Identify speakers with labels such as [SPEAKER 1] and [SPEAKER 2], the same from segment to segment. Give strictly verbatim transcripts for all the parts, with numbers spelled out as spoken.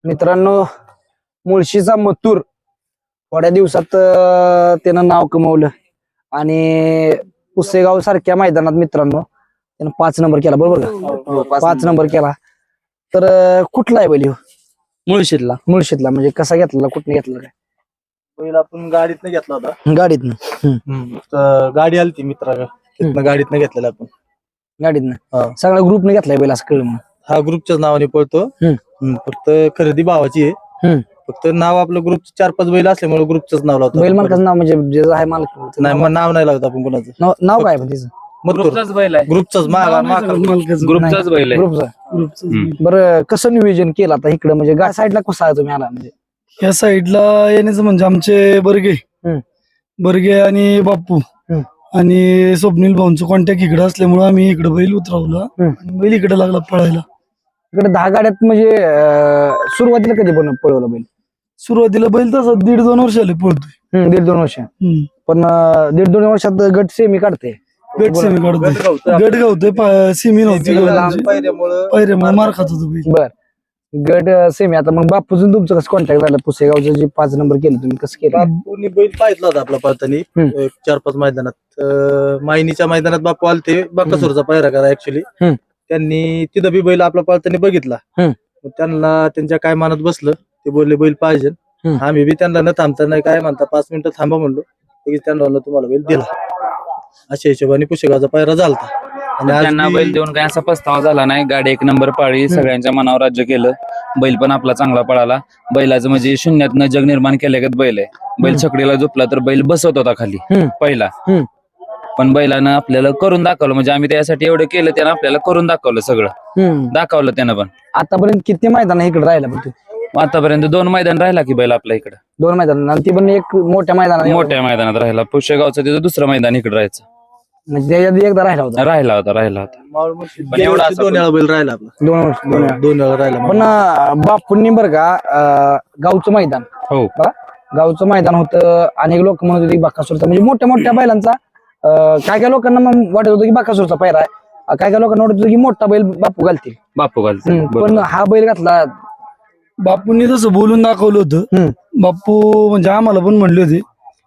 [SPEAKER 1] मित्रांनो, मुळशीचा मथुर थोड्या दिवसात अं, त्यानं नाव कमवलं आणि पुसेगाव सारख्या मैदानात मित्रांनो त्यानं पाच नंबर केला, बरोबर का? पाच नंबर केला. तर अं, कुठला आहे बैल ह्यो?
[SPEAKER 2] मुळशीतला
[SPEAKER 1] मुळशीतला. म्हणजे कसा घेतला, कुठने घेतला काय?
[SPEAKER 3] पहिला आपण गाडीतनं घेतला होता.
[SPEAKER 1] गाडीतनं.
[SPEAKER 3] तर गाडी आली ती मित्राला, तिथनं गाडीतनं घेतलेला आपण.
[SPEAKER 1] गाडीतनं सगळ्या ग्रुपने घेतलाय बैल असं कळलं मला.
[SPEAKER 3] हा ग्रुपच्याच नावाने पळतो. हम्म, फक्त खरेदी भावाची आहे.
[SPEAKER 1] हम्म.
[SPEAKER 3] फक्त नाव आपलं ग्रुप चार पाच बैल असल्यामुळे ग्रुपचंच नाव लावतो.
[SPEAKER 1] बैल मालकाचं नाव म्हणजे जे आहे मालक
[SPEAKER 3] नाही मग नाव नाही लावत आपण कोणाचं.
[SPEAKER 1] नाव नाव काय पण त्याचं?
[SPEAKER 2] ग्रुपचाच बैल आहे.
[SPEAKER 3] ग्रुपचाच
[SPEAKER 2] ग्रुपचाच बैल आहे.
[SPEAKER 1] ग्रुपचा. बरं, कसं नियोजन केलं आता इकडे, म्हणजे गा साईडला कसा आहे तुम्ही आला? म्हणजे
[SPEAKER 4] या साईडला येण्याचं म्हणजे आमचे बर्गे
[SPEAKER 1] हम्म.
[SPEAKER 4] बर्गे आणि बाप्पू
[SPEAKER 1] हम्म.
[SPEAKER 4] आणि स्वप्नील भाऊंचं कॉन्टॅक्ट इकडे असल्यामुळे आम्ही इकडे बैल उतरवला
[SPEAKER 1] हम्म.
[SPEAKER 4] आणि बैल इकडे लागला पळायला.
[SPEAKER 1] इकडे दहा गाड्यात म्हणजे अं, सुरुवातीला कधी पण पळवलं बैल?
[SPEAKER 4] सुरुवातीला बैल तसा दीड दोन वर्ष आले पळतोय.
[SPEAKER 1] हम्म, दीड दोन वर्ष.
[SPEAKER 4] हम्म.
[SPEAKER 1] पण अं, दीड दोन वर्षात गट सेमी काढते.
[SPEAKER 4] गट सेमी काढतोय, गट गावतोय, सिमी नव्हती
[SPEAKER 3] पायऱ्यामुळं
[SPEAKER 4] पायऱ्यामुळे मार खात होतो बैल.
[SPEAKER 1] बर, गट सेमी. आता मग बापूजून तुमचं कसं कॉन्टॅक्ट झालं? पुसेगावचं जे पाच नंबर केलं तुम्ही, कसं केलं?
[SPEAKER 3] बापूनी बैल पाहितला होता आपला पळतानी
[SPEAKER 1] हम्म.
[SPEAKER 3] एक चार पाच मैदानात. अं, मायनीच्या मैदानात बापू आलते बाकासुरचा पायरा करा ऍक्च्युली.
[SPEAKER 1] हम्म.
[SPEAKER 3] त्यांनी तिथं बी बैल आपला पळतानी बघितला.
[SPEAKER 1] हम्म.
[SPEAKER 3] मग त्यांना त्यांच्या काय मनात बसलं, ते बोलले बैल पाहिजे.
[SPEAKER 1] हम्म.
[SPEAKER 3] आम्ही बी त्यांना न थांबता नाही काय म्हणता पाच मिनिटं थांबा म्हणलो, लगेच त्यांना म्हणलं तुम्हाला बैल दिला. अशा हिशोबाने पुशेगावचा पायरा झालता. आणि आज
[SPEAKER 2] त्यांना
[SPEAKER 3] बी-
[SPEAKER 2] बैल देऊन काही असा पस्तावा झाला नाही. गाडी एक नंबर पाळी, सगळ्यांच्या मनावर राज्य केलं. बैल पण आपला चांगला पळाला. बैलाचं म्हणजे शून्यातनं जग निर्माण केल्यागत बैल आहे. बैल छकडीला झोपला तर बैल बसवत होता खाली
[SPEAKER 1] हम्म.
[SPEAKER 2] पहिला.
[SPEAKER 1] हम्म.
[SPEAKER 2] पण बैलानं आपल्याला करून दाखवलं, म्हणजे आम्ही त्यासाठी एवढं केलं, त्यानं आपल्याला करून दाखवलं, सगळं
[SPEAKER 1] हम्म.
[SPEAKER 2] दाखवलं त्यानं. पण
[SPEAKER 1] आतापर्यंत किती मैदान इकडे राहिला पण तू?
[SPEAKER 2] आतापर्यंत दोन मैदान राहिला की बैल आपल्या इकडं.
[SPEAKER 1] दोन मैदान, आणि ती पण एक मोठ्या मैदानात.
[SPEAKER 2] मोठ्या मैदानात राहिला. पुष्यगावचं तिथं दुसरं मैदान इकडे राहायचं.
[SPEAKER 1] म्हणजे त्याच्यात एकदा राहिला होता.
[SPEAKER 2] राहिला होता राहिला होता
[SPEAKER 3] मावळ मुळशी
[SPEAKER 2] पण एवढा
[SPEAKER 3] गेल्या वर्षी
[SPEAKER 2] असा
[SPEAKER 3] दोन वेळा बैल राहिला आपला.
[SPEAKER 1] दोन वर्ष दोन वेळा.
[SPEAKER 3] दोन वेळा राहिला
[SPEAKER 1] पण अं, बापूंनी बरं का अं, गावचं मैदान
[SPEAKER 2] हो.
[SPEAKER 1] बघा, गावचं मैदान होतं. अनेक लोक म्हणत होते की बाकासूरचा, म्हणजे मोठ्या मोठ्या बैलांचा अं, काय काय लोकांना मग वाटत होतं की बाकासूरचा पैरा आहे, अं, काय काय लोकांना वाटत होतं की मोठा बैल बापू घालतील.
[SPEAKER 2] बापू घालतो.
[SPEAKER 1] हम्म, पण हा बैल घातला.
[SPEAKER 4] बापूंनी तसं बोलून दाखवलं होतं.
[SPEAKER 1] हम्म.
[SPEAKER 4] बापू म्हणजे आम्हाला पण म्हणले होते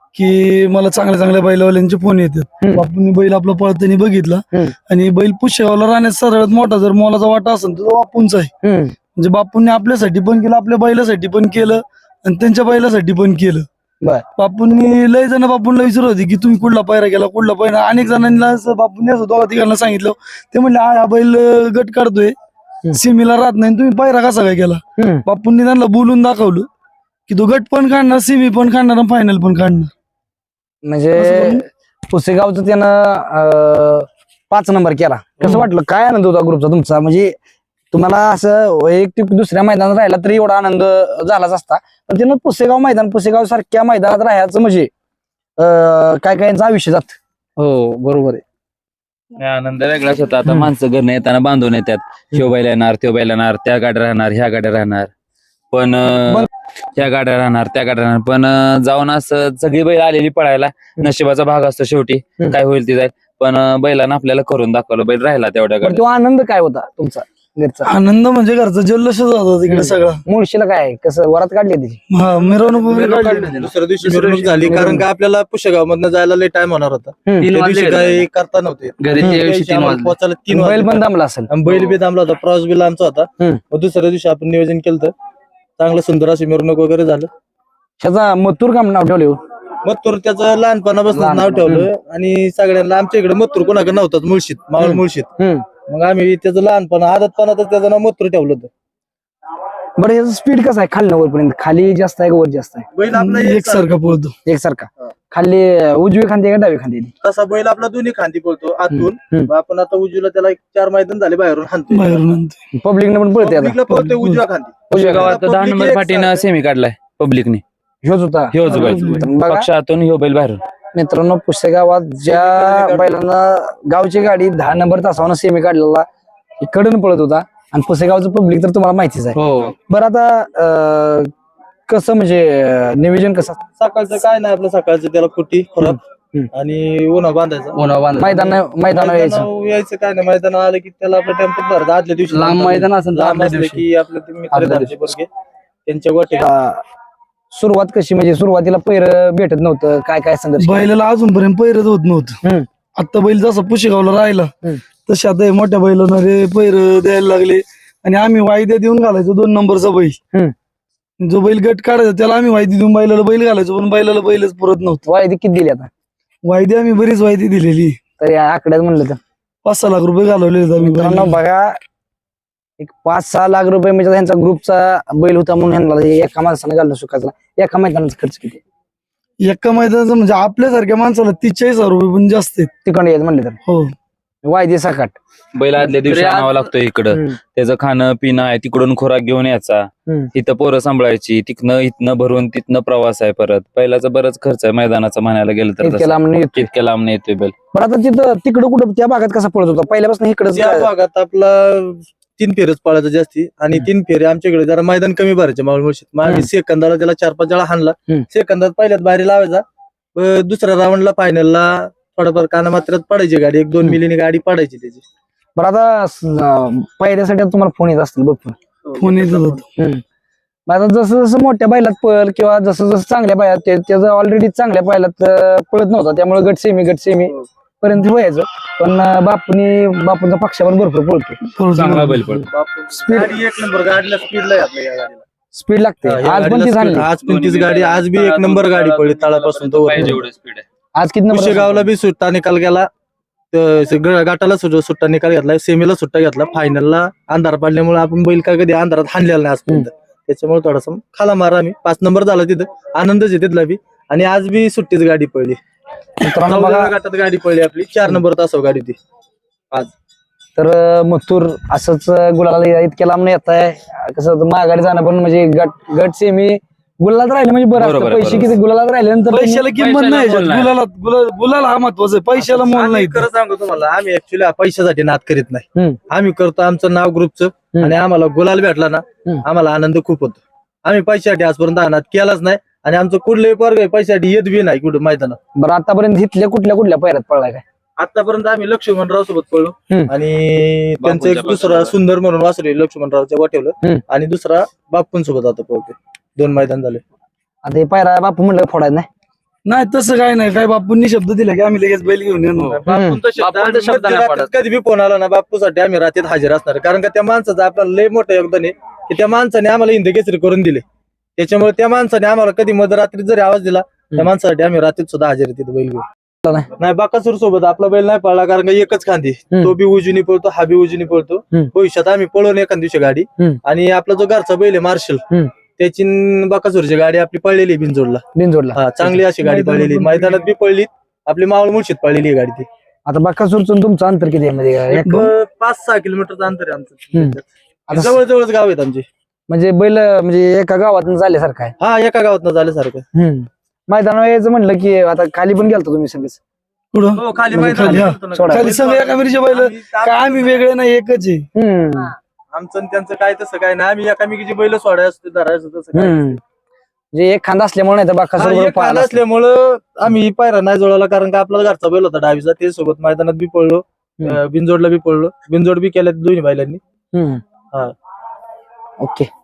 [SPEAKER 4] की मला चांगल्या चांगल्या बैलवाल्यांचे फोन येतात.
[SPEAKER 1] हम्म.
[SPEAKER 4] बापूंनी बैल आपला पळताना बघितला
[SPEAKER 1] हम्म.
[SPEAKER 4] आणि बैल पुष्यगावला राहण्यात सर्वात मोठा जर मोलाचा वाटा असेल तर तो बापूंचा आहे.
[SPEAKER 1] हम्म.
[SPEAKER 4] म्हणजे बापूंनी आपल्यासाठी पण केलं, आपल्या बैलासाठी पण केलं आणि त्यांच्या बैलासाठी पण केलं.
[SPEAKER 1] बर.
[SPEAKER 4] बापूंनी लय जण बापूंना विचारत होते की तुम्ही कुठला पायरा केला, कुठला पायरा. अनेक जणांना असं बापूंनी असं दोघा तिघांना सांगितलं. ते म्हणले हा हा बैल गट काढतोय, सिमीला राहत नाही, तुम्ही पायरा कसा काय केला?
[SPEAKER 1] हम्म.
[SPEAKER 4] बापूंनी त्यांना बोलून दाखवलं की तो गट पण काढणार, सिमी पण काढणार आणि फायनल पण काढणार.
[SPEAKER 1] म्हणजे पुसेगावचं त्यानं अं, पाच नंबर केला. कसं वाटलं, काय आनंद होता ग्रुपचा तुमचा? म्हणजे तुम्हाला असं वैयक्तिक दुसऱ्या मैदानात राहिला तरी एवढा आनंद झालाच असता, पण त्यानं पुसेगाव मैदान, पुसेगाव सारख्या मैदानात राहायचं म्हणजे अं, काय काय यांचं आयुष्य जात.
[SPEAKER 2] हो बरोबर आहे. आनंद वेगळाच होता. आता माणसं घरनं येताना बांधून येतात, ह्यो बैल येणार, त्यो बैल येणार, त्या गाड्या राहणार, ह्या गाड्या राहणार, पण अं, त्या गाड्या राहणार, त्या गाड्या राहणार, पण अं, जाऊन असं सगळी बैल आलेली पळायला. नशिबाचा भाग असतो शेवटी, काय होईल ते जाईल. पण अं, बैलानं आपल्याला करून दाखवलं, बैल राहिला तेवढ्या
[SPEAKER 1] पण
[SPEAKER 2] गाड्या.
[SPEAKER 1] तो आनंद काय होता तुमचा घरचा?
[SPEAKER 4] आनंद म्हणजे घरचा जल्लोषच होता तिकडे सगळा.
[SPEAKER 1] मुळशीला काय कसं वरात काढली त्याची?
[SPEAKER 4] हा, मिरवणूक वगैरे काढली.
[SPEAKER 3] दुसऱ्या दिवशी मिरवणूक झाली, कारण का आपल्याला पुशेगाव मधनं जायला लय टाइम होणार होता.
[SPEAKER 1] हम्म.
[SPEAKER 2] तीन
[SPEAKER 3] त्या
[SPEAKER 2] वाजले
[SPEAKER 3] दिवशी
[SPEAKER 2] घरी.
[SPEAKER 3] काही करता नव्हते.
[SPEAKER 2] घरी
[SPEAKER 3] त्या
[SPEAKER 2] त्या दिवशी
[SPEAKER 3] दिवशी
[SPEAKER 2] तीन
[SPEAKER 3] आम्हाला
[SPEAKER 2] वाजले.
[SPEAKER 3] पोहोचायला तीन
[SPEAKER 1] बैल
[SPEAKER 3] वाजले.
[SPEAKER 1] पण दमला असेल.
[SPEAKER 3] आणि बैल बी थांबला होता, प्रवास बी लांबचा होता.
[SPEAKER 1] हम्म.
[SPEAKER 3] मग दुसऱ्या दिवशी आपण नियोजन केलं तर चांगलं सुंदर अशी मिरवणूक वगैरे झालं.
[SPEAKER 1] त्याचा मथुर काम नाव ठेवले.
[SPEAKER 3] मथुर त्याचं लहानपणापासून नाव
[SPEAKER 1] लहानपण.
[SPEAKER 3] ठेवलं आणि सगळ्यांना आमच्या इकडे मथुर कोणाकडे नव्हताच मुळशीत, मावळ मुळशीत. मग आम्ही त्याचं लहानपण आदतपणातच त्याचं नाव मथुर ठेवलं होतं.
[SPEAKER 1] बरं, याचं स्पीड कसं आहे खाली वरपर्यंत? खाली जास्त आहे का वर जास्त आहे?
[SPEAKER 3] बैल आपला
[SPEAKER 4] एकसारखा पळतो.
[SPEAKER 1] एकसारखा.
[SPEAKER 3] हा.
[SPEAKER 1] खाली उजवी खांदी का डावी खांदी?
[SPEAKER 3] तसा बैल आपला दोन्ही खांदी पळतो आतून.
[SPEAKER 1] हम्म.
[SPEAKER 3] मग आपण आता उजवीला त्याला एक चार मैदान झाले बाहेरून हाणतोय.
[SPEAKER 4] बाहेरून आणतो.
[SPEAKER 1] पब्लिकने पण पळते आता.
[SPEAKER 3] पब्लिकला पळतोय उजव्या खांदी.
[SPEAKER 1] उजव्या
[SPEAKER 2] गावात
[SPEAKER 3] public
[SPEAKER 2] दहा नंबर
[SPEAKER 3] एक
[SPEAKER 2] फाटीनं
[SPEAKER 3] सारखं.
[SPEAKER 2] सेमी काढलाय पब्लिकने.
[SPEAKER 1] ह्योच होता.
[SPEAKER 2] ह्योच बैल
[SPEAKER 1] बघा
[SPEAKER 2] पक्षातून ह्यो बैल बाहेरून.
[SPEAKER 1] मित्रांनो, पुसेगावात ज्या बैलांना गावची गाडी दहा नंबर तासावर सेमी काढलेला इकडून पळत होता, आणि पुसेगावचं पब्लिक तर तुम्हाला माहितीच आहे.
[SPEAKER 2] हो.
[SPEAKER 1] बरं, आता अं, कसं म्हणजे अं, नियोजन कसं?
[SPEAKER 3] सकाळचं काय नाही आपलं, सकाळचं त्याला कुटी खुराक
[SPEAKER 1] हम्म.
[SPEAKER 3] आणि उन्हा बांधायचा.
[SPEAKER 1] मैदान मैदान यायचं.
[SPEAKER 3] मैदानावर यायचं काय नाही, मैदान आलं की त्याला आपलं टेम्पो भरत आदल्या दिवशी
[SPEAKER 2] लांब मैदान असेल तर
[SPEAKER 3] लांब
[SPEAKER 2] आदल्या
[SPEAKER 3] असलं
[SPEAKER 2] दिवशी.
[SPEAKER 3] की आपलं ते मित्र
[SPEAKER 2] आदल्या
[SPEAKER 3] धरते बरगे त्यांच्या गोट्या
[SPEAKER 1] अं, सुरुवात कशी म्हणजे सुरुवातीला पैर भेटत नव्हतं काय काय संघर्ष केला?
[SPEAKER 4] बैलाला अजूनपर्यंत पैरच होत नव्हतं.
[SPEAKER 1] हम्म.
[SPEAKER 4] आता बैल जसा पुशेगावला राहिला
[SPEAKER 1] हम्म.
[SPEAKER 4] तसे आता हे मोठ्या बैलांना रे पैर द्यायला लागले आणि आम्ही वायद्या देऊन घालायचो दोन नंबरचा बैल. जो बैल गट काढायचा त्याला आम्ही वायदी देऊन बैलाला बैल घालायचो पण बैलाला बैलच पुरत नव्हतं.
[SPEAKER 1] वायदी किती दिली आता
[SPEAKER 4] वायदी आम्ही बरीच वायदी दिलेली.
[SPEAKER 1] तर या आकड्यात म्हणलं तर
[SPEAKER 4] पाच सहा लाख रुपये घालवले आम्ही
[SPEAKER 1] मित्रांनो
[SPEAKER 4] बैलाला.
[SPEAKER 1] बघा एक पाच सहा लाख रुपये म्हणजे त्यांचा ग्रुपचा बैल होता म्हणून ह्यांना हे एका माणसाने घालणं सुखाचा एका मैदानाचा खर्च किती
[SPEAKER 4] एका मैदानाचं म्हणजे आपल्यासारख्या माणसाला तीस चाळीस हजार रुपये पण जास्त आहेत.
[SPEAKER 1] तिकडे येत म्हणले तर
[SPEAKER 4] हो
[SPEAKER 1] वायदे सकाट
[SPEAKER 2] बैल आदल्या दिवशी
[SPEAKER 3] तरी आज-
[SPEAKER 2] आणावं लागतो इकडं.
[SPEAKER 1] हम्म.
[SPEAKER 2] त्याचं खाणं पिणं आहे, तिकडून खोराक घेऊन यायचा,
[SPEAKER 1] हम्म.
[SPEAKER 2] इथं पोरं सांभाळायची, तिथनं इथनं भरून तिथनं प्रवास आहे परत. पहिल्याचा बरंच खर्च आहे मैदानाचा म्हणायला गेलं तर
[SPEAKER 1] इतक्या
[SPEAKER 2] तसं.
[SPEAKER 1] लांब नाही येत.
[SPEAKER 2] इतक्या लांब नाही येतोय बैल.
[SPEAKER 1] बरं आता तिथं तिकडं कुठं त्या भागात कसा पळत होता पहिल्यापासून इकडं
[SPEAKER 3] त्या भागात आपला तीन फेरच पळायचं जास्ती आणि
[SPEAKER 1] हम्म.
[SPEAKER 3] तीन फेरे आमच्याकडे जरा मैदान कमी भरायचे मावळ मुळशीत मग आम्ही
[SPEAKER 1] हम्म.
[SPEAKER 3] सेकंदाला त्याला चार पाच वेळा हाणला.
[SPEAKER 1] हम्म.
[SPEAKER 3] सेकंदात पहिल्यात बाहेर लावायचा व दुसऱ्या राऊंडला फायनलला थोडाफार काना मात्रात पडायची गाडी एक दोन
[SPEAKER 1] हम्म.
[SPEAKER 3] मिलीने गाडी पडायची त्याची.
[SPEAKER 1] बरं आता अं, पहिल्यासाठी आता तुम्हाला फोन येत असतील बघ
[SPEAKER 4] फोन येत होता.
[SPEAKER 1] मग आता जसं जसं मोठ्या बैलात पळ किंवा जसं जसं चांगल्या बैलात ते- त्याचं ऑलरेडी चांगल्या बैलात अं, पळत नव्हता त्यामुळे गट सेमी गट सेमी पर्यंत व्हायचं पण अं, बापूनी बापूंचा पक्षावर भरपूर पळतो
[SPEAKER 2] चांगला बैल पळ.
[SPEAKER 1] स्पीड
[SPEAKER 3] गाडी एक नंबर गाडीला स्पीडला आहे आपल्या या गाडीला.
[SPEAKER 1] स्पीड लागते
[SPEAKER 3] हा, या
[SPEAKER 1] आज पण
[SPEAKER 3] गाडीला
[SPEAKER 1] ती
[SPEAKER 3] speed-
[SPEAKER 1] झाली
[SPEAKER 3] आज पण तीच गाडी आज बी एक नंबर गाडी पडली तळापासून तो
[SPEAKER 2] पाहिजे एवढं स्पीड आहे.
[SPEAKER 1] आज किती नंबर
[SPEAKER 3] गावला बी सुट्टा निकाल गेला त- ग- गटाला सुट- सुट्टा निकाल घेतला सेमीला सुट्टा घेतला फायनलला अंधार पडल्यामुळे आपण बैल काय कधी अंधारात हाणलेला नाही आजपर्यंत त्याच्यामुळे थोडासा खाला मारा आम्ही पाच नंबर झाला तिथं आनंदच आहे तिथला बी आणि आज बी सुट्टीच गाडी पडली.
[SPEAKER 1] मित्रांनो बघा
[SPEAKER 3] चौदाव्या गटात गाडी पडली आपली चार नंबर तासाव गाडी ती आज.
[SPEAKER 1] तर अं, मथुर असंच अं, गुलाला इतक्या लांब नाही येत आहे कसं होतं, माघारी जाणं पण म्हणजे गट गट सेमी गुलालात राहिले म्हणजे बरं
[SPEAKER 2] बरोबर
[SPEAKER 1] असतं
[SPEAKER 2] आहे,
[SPEAKER 1] पैसे
[SPEAKER 2] बरोबर.
[SPEAKER 1] किती गुलालात राहिल्यानंतर
[SPEAKER 4] पैशाला किंमत
[SPEAKER 2] पैशाला
[SPEAKER 4] नाही
[SPEAKER 2] मोल नाही.
[SPEAKER 4] गुलाला गुलाल गुलाल हा महत्वाचा आहे पैशाला मोल
[SPEAKER 3] आम्ही
[SPEAKER 4] नाही.
[SPEAKER 3] खरं सांगू तुम्हाला आम्ही ऍक्च्युली पैशासाठी नाद करीत नाही.
[SPEAKER 1] हम्म.
[SPEAKER 3] आम्ही करतो आमचं नाव ग्रुपचं
[SPEAKER 1] हम्म.
[SPEAKER 3] आणि आम्हाला गुलाल भेटला ना
[SPEAKER 1] हम्म.
[SPEAKER 3] आम्हाला आनंद खूप होतो. आम्ही पैशासाठी आजपर्यंत हा नाद केलाच नाही आणि आमचं कुठलंही वर्ग पैशासाठी येत बी नाही कुठं मैदानात.
[SPEAKER 1] बरं आतापर्यंत इथल्या कुठल्या कुठल्या पैरात पळलाय काय
[SPEAKER 3] आतापर्यंत आम्ही लक्ष्मणराव सोबत पळलो
[SPEAKER 1] हम्म.
[SPEAKER 3] आणि त्यांचं एक
[SPEAKER 2] बापूंच्या
[SPEAKER 3] दुसरा
[SPEAKER 2] पासून.
[SPEAKER 3] सुंदर म्हणून वासरू लक्ष्मणरावच्या वाटेवलं
[SPEAKER 1] हम्म.
[SPEAKER 3] आणि दुसरा बापून सोबत आता पळतो. दोन मैदान झाले.
[SPEAKER 1] आता हे पायरा बापू म्हणलं फोडायचं नाही
[SPEAKER 4] नाही तसं काय नाही काय बापूंनी शब्द दिला की आम्ही लगेच बैल घेऊन येणार.
[SPEAKER 3] बापूंचा शब्द
[SPEAKER 2] बापूंचा
[SPEAKER 3] आम्ही
[SPEAKER 2] शब्द नाही
[SPEAKER 3] मध्यरात्रीत
[SPEAKER 2] पडत.
[SPEAKER 3] कधी बी फोन आला ना बापूसाठी आम्ही रात्रीत हजर असणार कारण का त्या माणसाचं आपल्याला लय मोठं योगदान आहे की त्या माणसाने आम्हाला हिंदकेसरी करून दिले. त्याच्यामुळे त्या माणसाने आम्हाला कधी मध्यरात्रीत जरी आवाज दिला त्या माणसासाठी आम्ही रात्रीत सुद्धा हजर आहे तिथे बैल घेऊन.
[SPEAKER 1] नाही.
[SPEAKER 3] नाही बाकासूर सोबत आपला बैल नाही पळला कारण का एकच खांदी
[SPEAKER 1] हम्म.
[SPEAKER 3] तो बी उजनी पळतो हा बी उजनी पळतो.
[SPEAKER 1] हम्म.
[SPEAKER 3] भविष्यात आम्ही पळवून एखाद दिवशी गाडी
[SPEAKER 1] हम्म.
[SPEAKER 3] आणि आपला जो घरचा बैल आहे मार्शल
[SPEAKER 1] हम्म.
[SPEAKER 3] त्याची न बाकासूरची गाडी आपली पळलेली आहे बिनजोडला.
[SPEAKER 1] बिनजोडला
[SPEAKER 3] हा चांगली अशी गाडी
[SPEAKER 4] मैदानात
[SPEAKER 3] पळलेली
[SPEAKER 4] पण
[SPEAKER 3] मैदानात बी पळली आपली मावळ मुळशीत पळलेली आहे गाडी ती.
[SPEAKER 1] आता बाकासूरचं तुमचं अंतर किती आहे म्हणजे काय?
[SPEAKER 3] एक
[SPEAKER 1] एक-
[SPEAKER 3] पाच सहा किलोमीटरचं अंतर आहे
[SPEAKER 1] हम्म.
[SPEAKER 3] आमचं.
[SPEAKER 1] आता
[SPEAKER 3] जवळ जवळच गाव आहेत आमचे.
[SPEAKER 1] म्हणजे बैल म्हणजे एका गावातून झाल्यासारखं आहे
[SPEAKER 3] हा एका गावात झाल्यासारखं.
[SPEAKER 1] हम्म. मैदानावर यायचं म्हणलं की आता खाली पण गेलतो तुम्ही सगळेच
[SPEAKER 4] पुढं
[SPEAKER 3] हो खाली
[SPEAKER 1] म्हणजे
[SPEAKER 3] मैदान
[SPEAKER 4] खाली, हा.
[SPEAKER 3] होतं ना.
[SPEAKER 1] सोडा.
[SPEAKER 4] खाली सगळे एका मिरीचे बैल
[SPEAKER 3] आम्ही-
[SPEAKER 4] काय आम्ही वेगळे नाही एकच आहे.
[SPEAKER 1] हम्म.
[SPEAKER 3] आमचं आणि त्यांचं काय तसं काय नाही आम्ही एकामेकीची बैल सोडायचं असते धरायचं तसं काय.
[SPEAKER 1] हम्म. म्हणजे एक खांदा असल्यामुळे नाही तर
[SPEAKER 3] हा,
[SPEAKER 1] बाकासूर
[SPEAKER 3] एक
[SPEAKER 1] बरोबर
[SPEAKER 3] खांदा
[SPEAKER 1] पाहिला असता.
[SPEAKER 3] असल्यामुळं आम्ही पायरा नाही जोडला कारण का आपला घरचा बैल होता डावीचा ते सोबत मैदानात बी पळलो
[SPEAKER 1] हम्म.
[SPEAKER 3] अं, बिनजोडला बी पळलो बिनजोड बी केल्या दोन्ही बैलांनी.
[SPEAKER 1] हम्म.
[SPEAKER 3] हा.
[SPEAKER 1] ओके